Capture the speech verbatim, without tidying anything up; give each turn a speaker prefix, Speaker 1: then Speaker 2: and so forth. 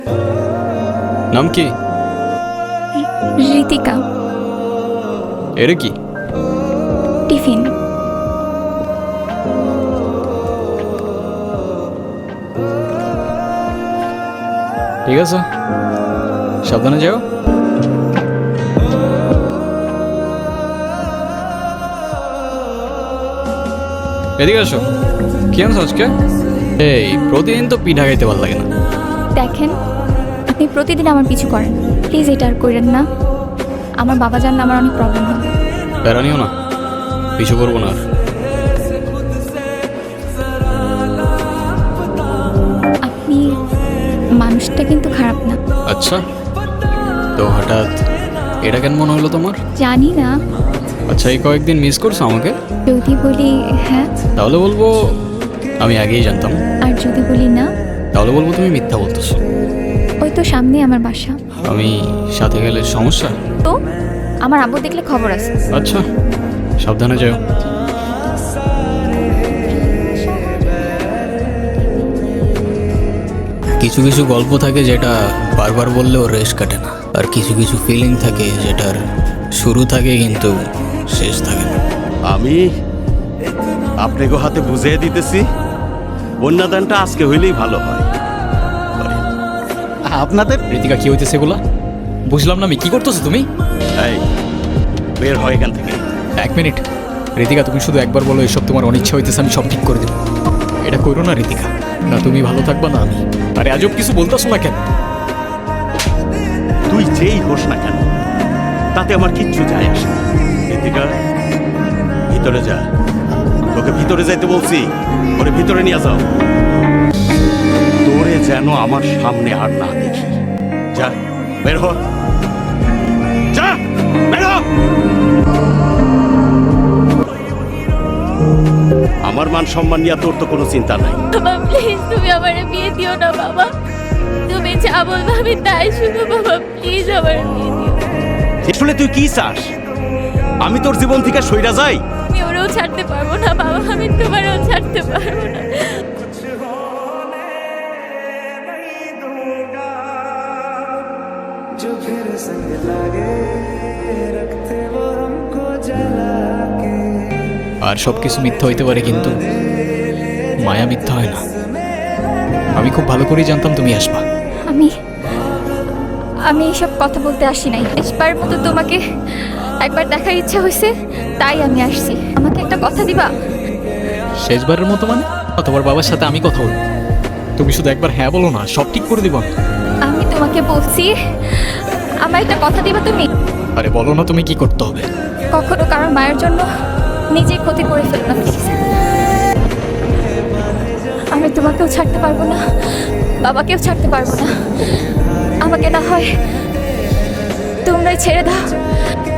Speaker 1: নাম কি?
Speaker 2: ঋতিকা।
Speaker 1: এর কি?
Speaker 2: টিফিন।
Speaker 1: ঠিক আছে, সাবধানে যাও। এদিকে আসো। কি আনছো আজকে? এই প্রতিদিন তো পিঠা খাইতে ভালো লাগে না।
Speaker 2: দেখেন, আপনি প্রতিদিন আমার পিছু করেন, প্লিজ এটা আর করেন না। আমার বাবা জানলে আমার অনেক প্রবলেম হবে।
Speaker 1: প্যারা নিও না, পিছু করবো না আর।
Speaker 2: আপনি মানুষটা কিন্তু খারাপ না।
Speaker 1: আচ্ছা, তো হঠাৎ এটা কেন মনে হলো তোমার?
Speaker 2: জানি না।
Speaker 1: আচ্ছা, এই কয়েকদিন মিস করছো আমাকে?
Speaker 2: যদি বলি হ্যাঁ,
Speaker 1: তাহলে বলবো আমি আগেই জানতাম।
Speaker 2: আর যদি বলি না,
Speaker 1: তাহলে বলবো তুমি মিথ্যা বলতেছো।
Speaker 2: ওই তো সামনে আমার বাসা।
Speaker 1: আমি সাথে গেলে সমস্যা?
Speaker 2: তো আমার আব্বু দেখলে খবর আছে।
Speaker 1: আচ্ছা, সাবধানে যাও। কিছু কিছু গল্প থাকে যেটা বারবার বললেও রেশ কাটে না, আর কিছু কিছু ফিলিং থাকে যেটার শুরু থাকে কিন্তু শেষ থাকে না।
Speaker 3: আমি আপনাকে হাতে বুঝিয়ে দিতেছি, বন্যাদানটা আজকে হইলেই ভালো হয়। আপনাদের
Speaker 1: ঋতিকা, কি হইতেছে এগুলা? বুঝলাম না আমি, কি করতেছো তুমি?
Speaker 3: এই বের হয় এখান থেকে।
Speaker 1: এক মিনিট ঋতিকা, তুমি শুধু একবার বলো এসব তোমার অনিচ্ছা হইতেছে, আমি সব ঠিক করে দেবো। এটা করো না ঋতিকা, না তুমি ভালো থাকবা না আমি। আরে আজব কিছু বলতেছো না কেন?
Speaker 3: তুই যেই হোস না কেন, তাতে আমার কিচ্ছু যায় আসে না। ঋতিকা, ভিতরে যা। তোকে ভিতরে যাইতে বলছি, ওরে ভিতরে নিয়ে যাও। তোরে যেন আমার সামনে আর না দেখি। যা, বের হ। যা, বের হ। আমার মান সম্মান নিয়ে তোর তো কোনো চিন্তা নাই।
Speaker 4: বাবা প্লিজ তুমি আমার বিয়ে দিও না বাবা, তুমি যা বলবে আমি তাই শুনো বাবা, প্লিজ আমার বিয়ে দিও।
Speaker 3: আসলে তুই কি চাস? আমি তোর জীবন থেকে সইরা যাই?
Speaker 4: আমি ওরেও ছাড়তে পারবো না বাবা, আমি তোমারও ছাড়তে পারবো না।
Speaker 1: আর সব কিছু মিথ্যা হইতে পারে কিন্তু মায়া মিথ্যা হয় না। আমি খুব ভালো করেই জানতাম তুমি আসবা।
Speaker 2: আমি আমি এইসব কথা বলতে আসি নাই। শেষবার মতো তোমাকে একবার দেখার ইচ্ছা হয়েছে, তাই আমি আসছি। আমাকে একটা কথা দিবা?
Speaker 1: শেষবারের মতো মানে? তোমার বাবার সাথে আমি কথা বলবো, তুমি শুধু একবার হ্যাঁ বলো না, সব ঠিক করে দিব আমি।
Speaker 2: আমি তোমাকে বলছি, আমার একটা কথা দিবা তুমি?
Speaker 1: আরে বলো না তুমি কি করতে হবে।
Speaker 2: কখনো কারোর মায়ের জন্য নিজে ক্ষতি করে ফেলো না প্লিজ। আমি তোমাকেও ছাড়তে পারবো না, বাবাকেও ছাড়তে পারবো না। আমাকে না হয় তোমরাই ছেড়ে দাও।